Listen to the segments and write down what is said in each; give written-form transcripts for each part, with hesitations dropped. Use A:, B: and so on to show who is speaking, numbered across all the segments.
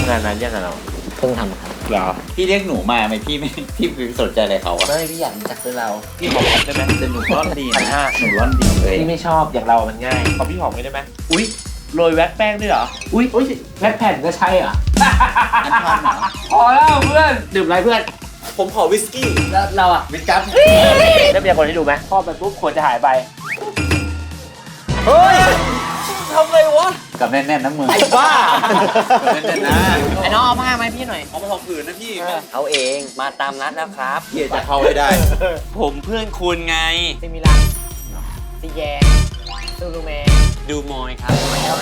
A: งานนั้นยังไงเรา
B: เพิ่งทำครับ
A: เหรอ
C: พี่เรียกหนูมาไหมพี่ไม่พี่สนใจอะไรเขาอะ
B: ไม่พี่อยากรู้จักด้วยเรา
A: พี่ขอผ่อนได้ไหม
C: แต่หนูร่อนดีนะ
A: 1,500
C: หนูร่อนดีเลย
A: พี่ไม่ชอบอย่างเรามันง่ายขอพี่หอมได้ไหมอุ้ยโรยแว็กแป้งด้วยเหรออุ้ยแว็กแผ่นก็ใช่เหรอพอแล้วเพื่อนดื่มอะไรเพื่อน
C: ผมขอวิสกี้
B: แล้วเราอ่ะ
C: วิสกัส
A: ได้เป็นคนที่ดูไหมพอไปปุ๊บควรจะหายไป
C: เฮ้ยทำไรวะกับแน่นๆนะมือไอ้บ้าแน่นๆนะ
B: ไอ้น้องเอาผ้าไหมพี่หน่อย
C: เอามาทำผืนนะพี่
B: เอาเองมาตามนัดแล้วครับ
C: เกียจะเข้าให้ได้
D: ผมเพื่อนคุณไง
B: ซีมิลันซีแยงซูรูแมน
D: ดูมอยครับ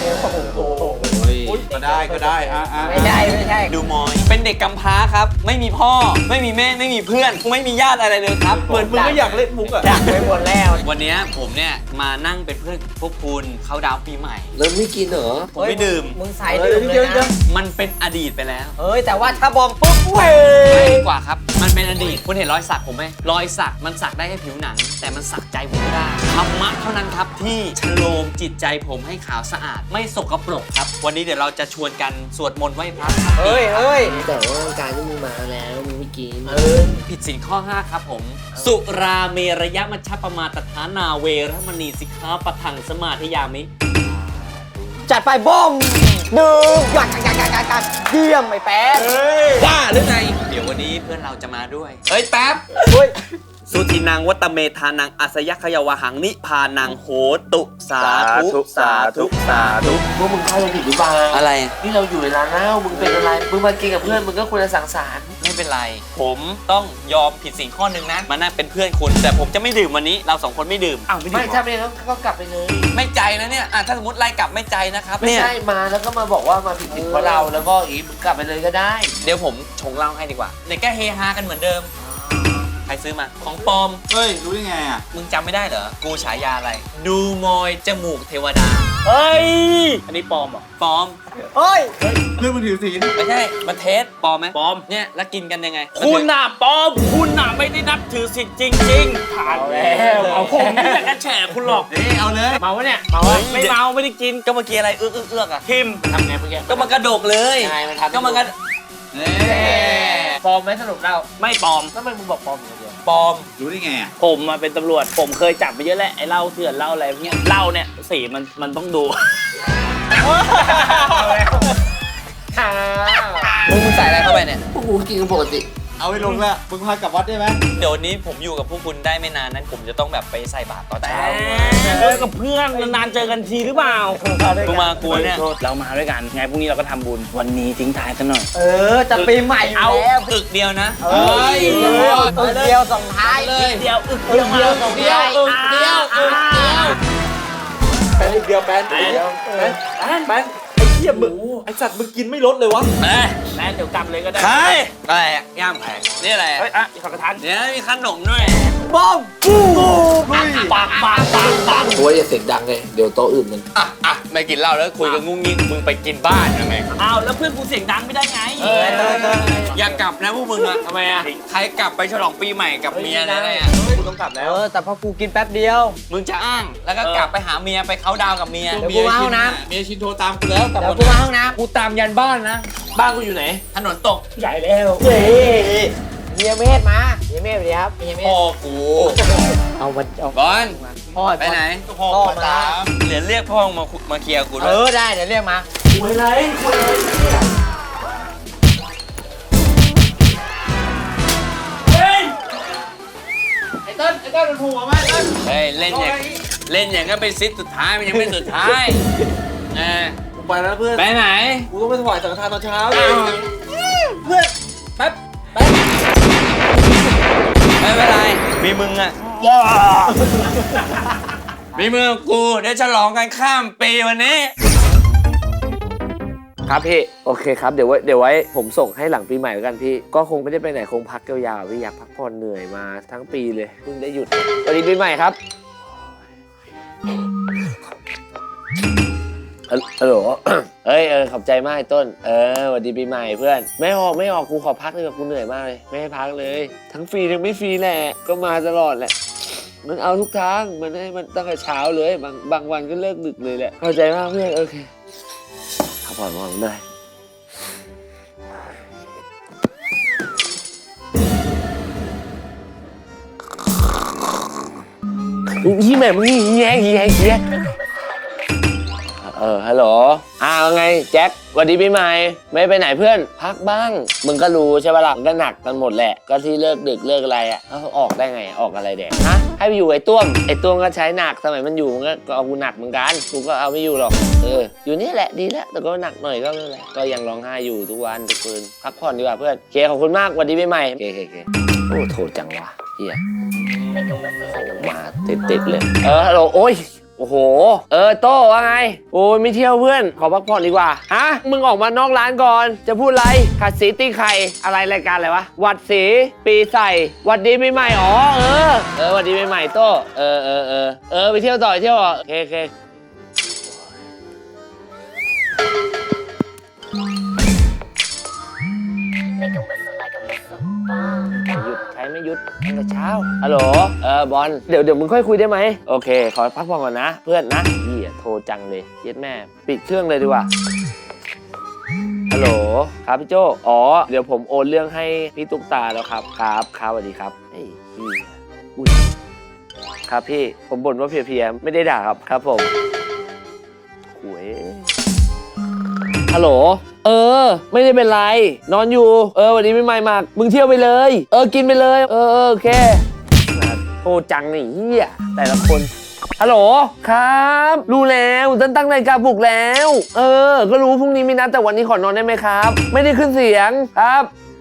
C: ก็ได้
B: ไม่ใช่
D: ดูมอย เป็นเด็กกำพร้าครับ ไม่มีพ่อ ไม่มีแม่ ไม่มีเพื่อน ไม่มีญาติอะไรเลยครับ
C: เหมือนมึงก็อยากเล่นมุกอะ
B: ดักไปหมดแล้ว
D: วันนี้ผมเนี่ยมานั่งเป็นเพื่อนพวกคุณเข้าดาวน์ปีใหม่
B: แล้วไม่กินเหรอ
D: ผมไม่ดื่ม
B: มึงใส่ดื่มเลยนะ
D: มันเป็นอดีตไปแล้ว
B: เฮ้ยแต่ว่าถ้าบอมปุ๊บเว้
D: ไม่
B: ย
D: ดีกว่าครับ มันเป็นอดีต คุณเห็นรอยสักผมไหมรอยสักมันสักได้แค่ผิวหนัง แต่มันสักใจผมไม่ได้ธรรมะเท่านั้นครับที่ชโลมจิตใจผมให้ขาวสะอาด ไม่สกปรกครับ วันนี้เดี๋ยวเราจะชวนกันสวดมนต์ไหว้พระครับ
B: เฮ้ยแต่ว่าการที่มึงมาแล้วมึงไม่กิน
D: ผิดศีลข้อ 5 ครับผม สุราเมรยมัชฌปมาตฐานาเวรมณีสิกขาปะทังสมาธิยามิ
B: จัดไปบ้มดื่มหยัดเยี่ยมไอ้แป๊ด
D: บ้าหรือไง เดี๋ยววันนี้เพื่อนเราจะมาด้วย เฮ้ยแป๊บ
B: เฮ้ย
D: สุทินังวัตเมธานังอัสยขยวหังนิพานังโหตุสาธุสาธุสาธุ
A: พวกมึงเข้าใจผิดหรือเปล่า
D: อะไร
A: นี่เราอยู่ในร้านเหล้ามึงเป็นอะไรมึงมากินกับเพื่อนมึงก็ควรจะสังสรรค์
D: ไม่เป็นไร ผมต้องยอมผิดสิ่งข้อหนึ่งนะมานั่งเป็นเพื่อนคุณ แต่ผมจะไม่ดื่มวันนี้ เราสองคนไม่ดื่ม
A: ไม่ถ้าไม่งั้นก็กลับไปเลย
D: ไม่ใจนะเนี่ยถ้าสมมติไล่กลับไม่ใจนะครับ
A: ไม่
D: เนี่ย
A: ใช่มาแล้วก็มาบอกว่ามาผิดเพราะเราแล้วก็อีมึงกลับไปเลยก็ได้
D: เดี๋ยวผมชงเหล้าให้ดีกว่าเดี๋ยวแกเฮฮากันเหมือนเดิม ใครซื้อมา ของปลอม
C: เฮ้ยรู้ได้ไงอะ
D: มึงจำไม่ได้เหรอ กูฉายาอะไร ดูมอยจมูกเทวดา
A: เฮ้ยอันนี้ปลอมเหรอ
D: ปลอม
B: เฮ้ย
C: เพื่อนมึงถือศีล
D: ไม่ใช่มันเทสปลอมไหม
A: ปลอม
D: เนี่ยแล้วกินกันยังไง
E: คุณน่ะปลอมคุณน่ะไม่ได้นับถือสิทธิ์จริงๆผ่านแล้วเอาผมไม่อยากจะแฉคุณหรอก
C: เอาเลย
A: เมาวะเนี่ยเมาวะ
E: ไม่เมาไม่ได้กิน
D: ก็เมื่อกี้อะไรเอื้อกอะ
E: พิมพ์
A: ทำไงเมื่อกี้
D: ก็มันกระดกเลย
A: ยังไงมันทำ
D: ก็มันกระ
A: ปลอมไหมสรุปเรา
E: ไม่ปลอม
A: ทำไมมึงบอกปลอมอย่างเดียว
D: ปลอม
C: รู้ได้ไงอะ
E: ผมมาเป็นตำรวจ ผมเคยจับไปเยอะแหละไอ้เหล้าเถื่อนเหล้าอะไรพวกเนี้ยเหล้าเนี่ยสีมันต้องดู
A: ค่ะ
D: มึงใส่อะไรเข้าไปเนี่ย
A: พวกกูกินกันปกติ
C: เอาไปลงละมึงพากลับวัดได้ไหม
D: เดี๋ยววันนี้ผมอยู่กับพวกคุณได้ไม่นานนั้น ผมจะต้องแบบไปใส่บาตรตอนเช้า
E: เจอกับเพื่อนนานๆเจอกันทีหรือเปล่า
D: มึงมากูเนี่ย
E: เรามาด้วยกันไงพรุ่งนี้เราก็ทำบุญวันนี้ทิ้งท้ายซะหน่อย
B: จะปีใหม่อยู่
D: เอา
B: แล้ว
D: อึกเดียวนะ
B: เฮ้ยเดียวส่งท้าย
E: เดียวอึกเดียว
B: ส่งท้าย
C: แป้นอีกเดียวแป้นอีกเดียวแป้นไอ้เหี้ยมึงไอ้สัตว์มึงกินไม่ลดเลยวะ
D: เอ้ย
E: แม่เดี๋ยวกลับเลยก็ได้
D: ใครอะไรอะย่ามแผงนี่อะไรอะ
E: เฮ้ยอ่ะอีกสักกระทัน
D: เดี๋ยวมีขนมด้วย
B: บ้อม
E: ปัง
A: กูว่าอย่าเสียงดังเลยเดี๋ยวโต๊ะอื่นมัน
D: อ่ะไม่กินเหล้าแล้วคุยกันงุ้งงิ้งมึงไปกินบ้านยังไง
E: อ้าวแล้วเพื่อนกูเสียงดังไม่ได้ไง
D: อย่ากลับนะพวกมึงอะทำไมอะใครกลับไปฉลองปีใหม่กับเมียอะไรเนี่ย
A: กูต้องกลับแล้ว
B: แต่พอกูกินแป๊บเดียว
D: มึงจะอ้างแล้วก็กลับไปหาเมียไปเขาดาวกับเมีย
B: เดี๋ยวกูมาห้องน้
C: เมียชินโทรตามกูแล้วกลับ
B: เดี๋ยว
C: หม
B: กู
C: ด
B: มาห้องน้
A: กูตามยันบ้านนะ บ้านกูอยู่ไหน
D: ถนนตก
E: ใหญ่แล้ว
B: ำเฮียเมธมาเฮียเมธสวัสดีครับเฮียเมธ
D: พ่อกู
B: เอามาเอา
D: บอล
B: พ่อ
D: ไปไหน
B: พ่อมา
D: เดี๋ยวเรียกพ่อมาเคลียร์กูด้วย
B: ได้เดี๋ยวเรียกมา
A: คุยอะไรคุยอะไรไอ้เต้นมันผูกมาไอ้เต้น
D: เฮ้ยเล่นอย่างก็เป็นซิทสุดท้ายมันยังไม่สุดท้ายเออ
C: กูไปแล้วเพื่อน
D: ไปไหน
C: กูต้องไปถวายสังฆทานตอนเช้า
D: เพื่อนแป๊บไม่เป็นไรมีมึงอะมีมึงกับกูเดี๋ยวฉลองกันข้ามปีวันนี้
A: ครับพี่โอเคครับเดี๋ยวไว้ผมส่งให้หลังปีใหม่แล้วกันพี่ก็คงไม่ได้ไปไหนคงพักยาวๆพี่อยากพักผ่อนเหนื่อยมาทั้งปีเลยเพิ่งได้หยุดสวัสดีปีใหม่ครับฮัลโหล เฮ้ยขอบใจมากไอ้ต้นสวัสดีปีใหม่เพื่อนไม่ออกกูขอพักเลยกูเหนื่อยมากเลยไม่ให้พักเลยทั้งฟรีทั้งไม่ฟรีแหละก็มาตลอดแหละมันเอาทุกทางมันให้มันตั้งแต่เช้าเลยบางวันก็เลิกดึกเลยแหละเข้าใจมากเพื่อนโอเคพักผ่อนมากเลยพี่แม่มึงนี่แย่ฮัลโหลว่าไงแจ็คสวัสดีปีใหม่ไม่ไปไหนเพื่อนพักบ้างมึงก็รู้ใช่ป่ะล่ะก็หนักกันหมดแหละก็ที่เลิกดึกเลิกอะไรอ่ะเขาออกได้ไงออกอะไรแดกฮะให้ไปอยู่ไอ้ต้วมก็ใช้หนักสมัยมันอยู่มันก็เอากูหนักเหมือนกันกูก็เอาไม่อยู่หรอกอยู่นี่แหละดีแล้วแต่ก็หนักหน่อยก็ไม่เป็นไรก็ยังร้องไห้อยู่ทุกวันทุกคืนพักผ่อนดีกว่าเพื่อนเคขอบคุณมากสวัสดีปีใหม่เคโอ้โทษจังวะเฮียมาติดเลยฮัลโหลโอ้ยโอ้โหโต้ว่าไงโอ้ยไม่เที่ยวเพื่อนขอพักผ่อนดีกว่าฮะมึงออกมานอกร้านก่อนจะพูดอะไรขัดสีตีไข่อะไรรายการอะไรวะวัดสีปีใส่วัดดีปีใหม่อ๋อวัดดีปีใหม่โต้ไปเที่ยวต่อเที่ยวโอเคหยุดใช้ไม่หยุดตั้งแต่เช้าฮัลโหลบอลเดี๋ยวมึงค่อยคุยได้ไหมโอเคขอพักผ่อนก่อนนะเพื่อนนะโทรจังเลยเย็ดแม่ปิดเครื่องเลยดีกว่าฮัลโหลครับพี่โจเดี๋ยวผมโอนเรื่องให้พี่ตุ๊กตาแล้วครับสวัสดีครับอุ้ยครับพี่ผมบ่นว่าเพลียไม่ได้ด่าครับผมหวยฮัลโหลไม่ได้เป็นไรนอนอยู่วันนี้ไม่ไม่มากมึงเที่ยวไปเลยกินไปเลยโอเคโทรจังนี่เฮียแต่ละคนฮัลโหลครับรู้แล้วตั้งนาฬิกาปลุกแล้วก็รู้พรุ่งนี้มีนัดแต่วันนี้ขอนอนได้ไหมครับไม่ได้ขึ้นเสียงครับ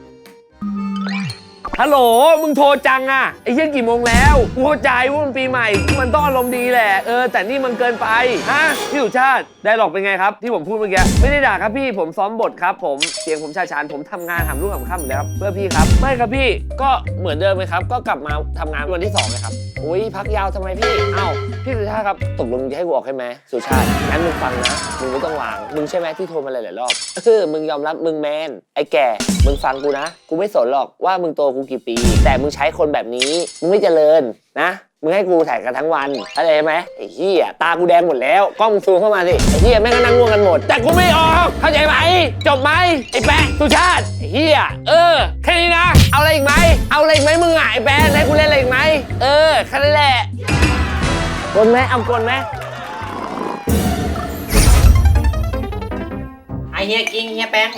A: ฮัลโหลมึงโทรจังอ่ะไอ้เหี้ยกี่โมงแล้วกูเข้าใจว่ามันปีใหม่มันต้องอารมณ์ดีแหละแต่นี่มันเกินไปฮะพี่สุชาติได้หรอกเป็นไงครับที่ผมพูดเมื่อกี้ไม่ได้ด่าครับพี่ผมซ้อมบทครับผมเสียงผมชาชานผมทำงานหามรุ่งหามค่ำอยู่แล้วครับเพื่อพี่ครับไม่ครับพี่ก็เหมือนเดิมไหมครับก็กลับมาทำงานวันที่2เลยครับอุ้ยพักยาวทำไมพี่พี่สุชาติครับตกลงจะให้กูออกให้ไหมสุชาติงั้นมึงฟังนะมึงไม่ต้องวางมึงใช่ไหมที่โทรมาหลายๆรอบมึงยอมรับมึงแมนไอ้แก่มึงฟังกูนะกูไม่สนหรอกว่ามึงโตกูกี่ปีแต่มึงใช้คนแบบนี้มึงไม่เจริญนะมึงให้กูถ่ายกันทั้งวันอะไรไหมไอ้เหี้ยตากูแดงหมดแล้วกล้องซูมเข้ามาสิไอ้เหี้ยแม่งก็นั่งง่วงกันหมดแต่กูไม่ออกเข้าใจไหมจบไหมไอ้แปะสุชาติไอ้เหี้ยแค่นี้นะเอาอะไรอีกไหมมึงไอ้แปะให้กูเล่นอะไรอีกไหมแค่นั้นแหละกลไหมเอากลไหม
B: ไอเฮียกิงเฮียแป้ง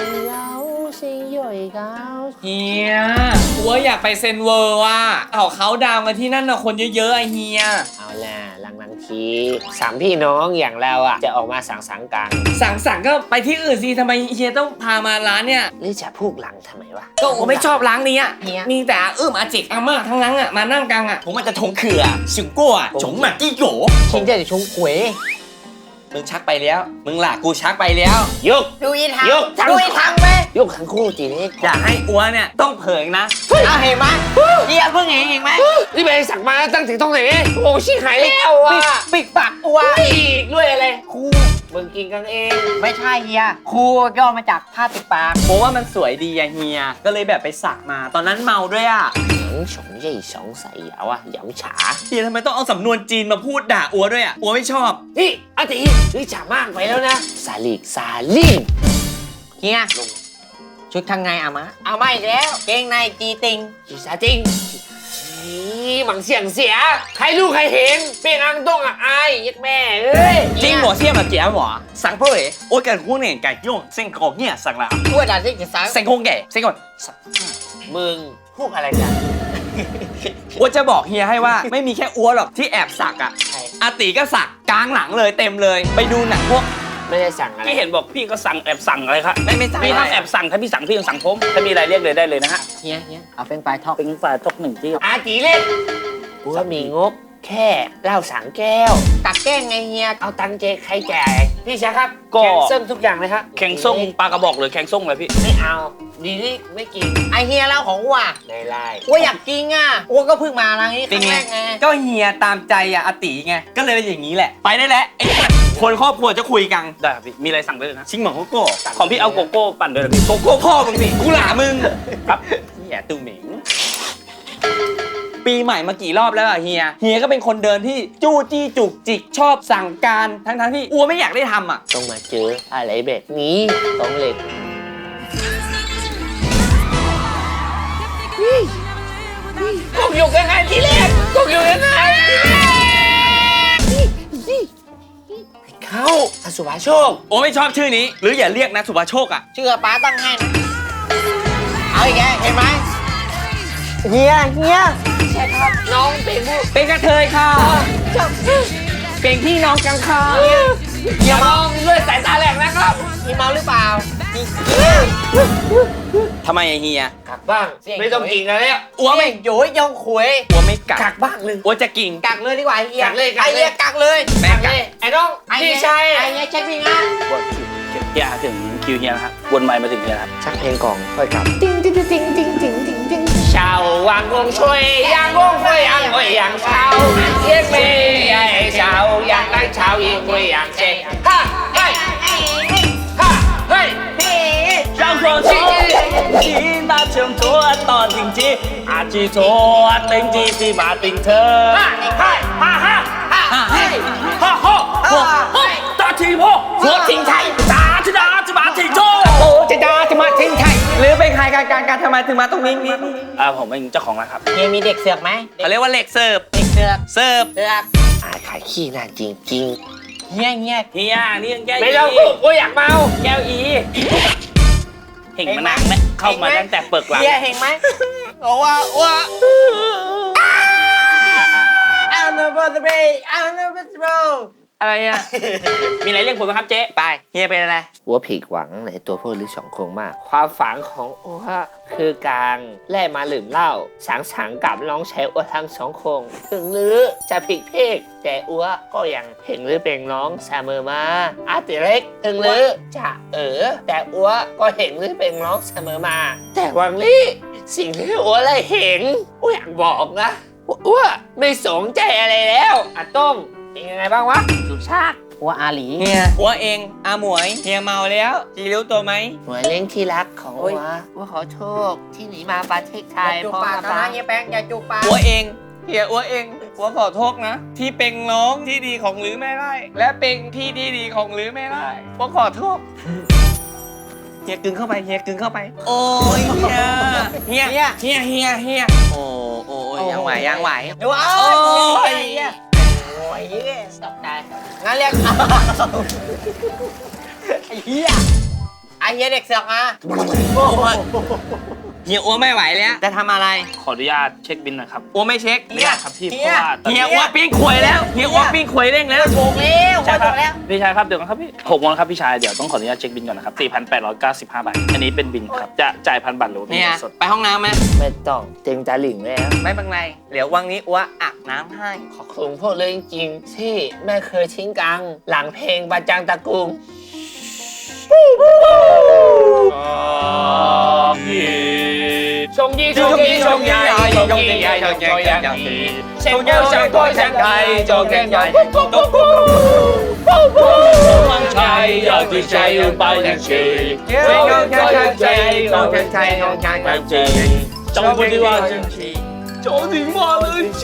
D: เฮียกูว่าอยากไปเซนเวอร์ว่ะเขาดาวกันที่นั่นนะคนเยอะๆไอเฮีย
A: เอาล่ะหลังที3พี่น้องอย่างเราอ่ะจะออกมาสังสรรค์กัน
D: สังสรรค์ก็ไปที่อื่นสิทำไมเฮียต้องพามาร้านเนี่ย
A: หรือจะพูกหลังทำไมวะ
D: ก็ผมไม่ชอบร้านนี้อ่ะมีแต่อาจิกอาม่าทั้งนั้นอ่ะมานั่งกันอ่ะผมอาจจะถงเขื่อสิงกั้วฉงหมักจี้โห
B: ชิงเจะชงขวย
D: มึงชักไปแล้วมึงล่ะกูชักไปแล้ว
A: ยก
B: ดูอีทาง
A: ยก
B: ไหม
A: ยกทั้งคู่จีนี่
D: อยากให้อัวเนี่ยต้องเผยนะ
B: เห็นไหมเฮียเพิ่งเห็นไหม
A: นี่ไปสั่งมาตั้งถึงตรงไหนโอ้ชิหายแล้วอ่ะ
B: ปิดปากอัว
A: อีกด้วยอะไรครูมึงกินกันเอง
B: ไม่ใช่เฮียครูย่อมาจากผ้าปิดปาก
D: เพราะว่ามันสวยดีอะเฮียก็เลยแบบไปสักมาตอนนั้นเมาด้วยอ่ะ
A: ฉงใหญ่สองใส่ยาวอ่ะหยำฉา
D: เฮียทำไมต้องเอาสำนวนจีนมาพูดด่าอัวด้วยอ่ะอัวไม่ชอบ
A: นี่อาตินี่ฉามากไปแล้วนะซาลิง
B: เฮียชุดทางไงเอามาอีกแล้วเกงในจีติง
A: จีซาติงหมังเสียงเสียใครรู้ใครเห็นเปียงอังต้องอ่ะไอ้ยักแม่เอ้ย
D: จริงหมอเสียมาเจี๋ยหมอสั่งเพื่อโอ้ยกันคู่เนี่ยไก่ย่งเส้นกรอกเนี่ยสั่งละ
B: ด้วยด่าที่จะสั่ง
D: เส้นคงแก่เส้นก่อน
A: มึงพูดอะไรกัน
D: อัวจะบอกเฮียให้ว่าไม่มีแค่อัวหรอกที่แอบสักอ่ะอาติก็สักกลางหลังเลยเต็มเลยไปดูหนังพวก
A: ไม่ได้สั่งอะไร
E: พี่เห็นบอกพี่ก็สั่งแอบสั่งอะไรครับ
D: ไม่สั่ง
E: พี่ถ้าแอบสั่งถ้าพี่สั่งพี่ต้องสั่งผมถ้ามีอะไรเรียกเลยได้เลยนะฮะ
B: เฮียเอาเป็นปลายทอก
E: 1ที่
A: อาจีเล่นกูก็มีงบแค่เหล้า3 แก้ว
B: ตักแก้งไงเฮีย
A: เอาตังค์เจใครแจกพี่ชาครับแข่งส้มทุกอย่างเลยครับ
E: แข่งส้มปลากระบอกหรือแข่งส้มอะไรพี่
A: ไม่เอาดีนี่ไม่กิน
B: ไอเฮียเล่าของวัว
A: ไม่ไล่
B: วัวอยากกินอ่ะวัวก็เพิ่งมาร้านนี้ครั้งแรกไง
D: ก็เฮียตามใจอ่ะอาติไงก็เลยเป็นอย่างนี้แหละไปได้แล้วคนครอบครัวจะคุยกัน
E: ได้พี่มีอะไรสั่งได้เลยนะ
D: ชิงหมองโกโก้
E: ของพี่เอาโกโก้ปั่นด้วยพี่
D: โกโก้พ่อมึงสิกูหล่ามึงครับเฮียตุ้มเหม่งปีใหม่มากี่รอบแล้วอะเฮียก็เป็นคนเดินที่จู้จี้จุกจิกชอบสั่งการทั้งที่อัวไม่อยากได้ทำอะ
A: ต้องมาเจออะไรแบบนี้ต้องเหล็กโอเคอยู่ยังไงทีแรกกบอยู่ยังไงเข้าอสุภาโชค
D: โอ้ไม่ชอบชื่อนี้ หรืออย่าเรียกนะสุภาโชคอ่ะ
B: ชื่อป้าตั้งให้นะเอาอีกแกเห็นไหมเฮีย
A: น้องเป็นผู้
B: เป็นกระเทยค่ะเป็นพี่น้องกันค่ะ
A: อย่ามองด้วยสายตาแหลกนะครับ
B: มีเมาหรือเปล่า
D: ทำไมไอ้เฮีย
A: กักบ้างไม่ต้องกินกันแล้ว
D: อ้วไม่
B: โยยยองขวย
D: อ้วไม่กั
A: กั
D: ก
A: กบ้างเลย
D: อ้วจะกิ่ง
B: กักเลยดีกว่าเฮีย
A: กักเลย
B: ไอเฮียกักเลย
D: แม่กัก
A: ไอ้น้องพี่ชาย
B: ไอเฮียเช็คพี่งาน
E: เฮียถึงคิวเฮียนะครับวนไมค์มาถึงเฮียครับ
A: ชักเพลงกล่องค่อยกลับชาววังคงช่วยยังคงช่วยยังช่วยยังชาวเยี่ยมเมย์ไอ้ชาวยังได้ชาวยิ่งช่วยยังเชฮ่าเฮ้ยฮ่าเฮ้ย
E: 让我去听那唱错ตอนจริงจีอาจีโทติงจีจีมาติงเธอ
A: ฮ่าเฮ้ยฮ่าฮ่าฮ่าเฮ้ย
E: ฮ่าฮ่าฮ่าตาทีพ่อหัวทิ้งไทยตาจะดาจะมาทิ้งโท
B: โอ้จะดาจะมาทิ้งไทยหรือเป็นใครการทำไมถึงมาตรงนี้
E: ผมเป็นเจ้าของร้านครับ
B: เฮียมีเด็กเสือกไหม
D: เขาเรียกว่าเหล็กเสิร์ฟ
B: เด็กเสือก
D: เสิร์ฟ
B: เสือก
A: ขายขี้น่าจริง
B: เฮีย
E: เฮียนี่ยังแก้
A: ๆไม่ต้องพูดกูอยากเมา
E: แก้วอีเห็นมานานแล้วเข้ามาตั้งแต่เปิดหลัง
B: เฮียเห็นไหมบอกว่าI'll never be I'll never be
E: อะไรอ่ะ มีอะไรเรียกผมไหมครับเจ๊
D: ไปเฮียเป็นอะไร
A: อัวผิดหวังในตัวพวกฤาษีสองคงมาก ความฝันของอัวคือการแล่มาดื่มเหล้าสังกับน้องชายอัวทั้งสองคงถึงหรือจะผิดเพศแต่อัวก็ยังเห็นหรือเป็นน้องเสมอมาอาติเล็กถึงหรือจะแต่อัวก็เห็นหรือเป็นน้องเสมอมา แต่วันนี้สิ่งที่อัวได้เห็นอัวอยากบอกนะอัวไม่สนใจอะไรแล้วอาต้มเป็นยังไงบ้างวะสุชาติ
B: ว่าอาหลี
D: เฮียอ้วเองอาหมวยเฮียเมาแล้วจีรู้ตัวไหม
A: หน่วยเล่นที่รักของอัวขอโทษที่หนีมาประเทศไทย
B: จูบ
A: เพราะ
B: ปาก
A: มา
B: นะเฮียแป้งอย่าจูบปาก
D: อ้วเองเฮียอ้วเองอ้วขอโทษนะ ที่เป็นน้องที่ดีของหรือไม่ได้ และเป็นพี่ที่ดีของหรือไม่ได้อ้วขอโทษเฮียกึงเข้าไปเฮียกึงเข้าไป โอ้ยเฮียโอ้ยังไหว
B: ดูเอา
D: โอ้ย
B: เฮียโอ้ยเฮียตกใจงั้นเรียกไอ้เฮียไอ้เฮียเด็กเสือกมา
D: เฮียอ้วไม่ไหวแล้วจะทำอะไร
E: ขออนุญาตเช็คบินหน่อยครับ
D: อ้วไม่เช็ค
E: ไม่ได้ครับพี่เพราะว่าตอน
D: เฮี
E: นี้
D: ยอ้วปิ้งขวยแล้วเฮียอ้วปิ้งขวยเร่งแล้ว
B: ถูกแล้ว
E: ใช่ค
B: ถู
E: รับ
B: กแล้ว
E: พี่ชายครับเดี๋ยวก่อนครับพี่6 โมงครับพี่ชายเดี๋ยวต้องขออนุญาตเช็คบินก่อนนะครับ 4,895 บาทอันนี้เป็นบินครับจะจ่าย1,000 บาทหรือว่าเป็น
D: เนี่ย
E: เงินสด
D: ไปห้องน้ำไหม
A: ไม่ต้องเต็งตาหลิงแล้ว
D: ไม่เป็นไรเดี๋ยววันนี้อ้วอาบน้ำให้
A: ขอบคุณพวกเลยจริงๆที่ไม่เคยทิ้งกัง หลังเพลงบาจังตะกุงชงยี่ชงยี่ชงใหญ่ชงยี่ใหญ่ชงยี่ใหญ่เช่นเดียวเช่นก้อยเช่นไก่ชงแกงใหญ่มั่งชัยอยากที่ใจอื่นไปแทนชีชงแกงใจชงแกงใจชงแกงใจจงพูดว่าจังชีจงถึงว่าเลยชี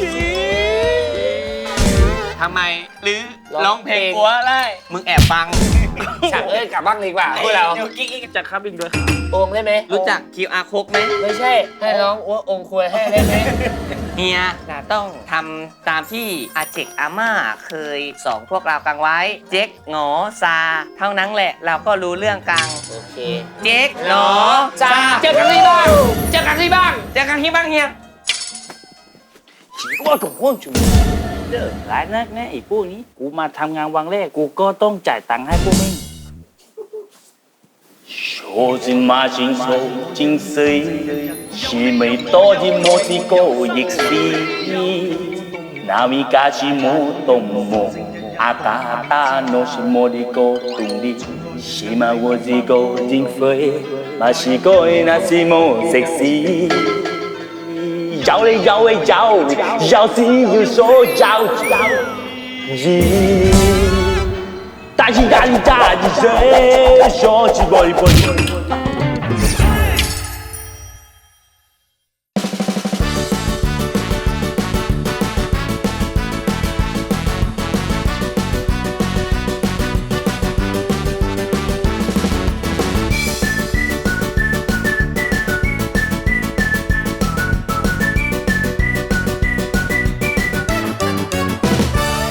D: ทำไมหรือร้องเพลงอ้วได้มึงแอบฟัง
A: ฉักกลับบ้างดีกว่าพวกเรา
E: จะครับบินด้วยครับ
A: องได้ไหม
D: รู้จัก QR code ไหม
A: ไม่ใช่ ให้ร้องอ้วองควรให้ได้ไหม
D: เฮียต้องทำตามที่อาเจกอาม่าเคยสอนพวกเรากังไว้ เจ๊กหงอซา เท่านั้นแหละเราก็รู้เรื่องกัง
A: โอเค
D: เจ๊กหนอ
A: จ้าเจอกันที่บ้างเจอกันที่บ้าง
D: เจอกันที่บ้างเฮีย
E: ว่าถูกว่างจุ๋ยหลายนักนะไอ้พวกนี้กูมาทำงานวันแรกกูก็ต้องจ่ายตังค์ให้พวกมึง说尽马经手精髓，是美多的莫的高亦是，那米嘎是莫动莫，阿达达诺是莫的高动力，是嘛我的高精髓，嘛是高那是莫 sexy。摇嘞摇嘞摇，摇是有手摇摇，大起大起大起谁？小起玻璃玻璃。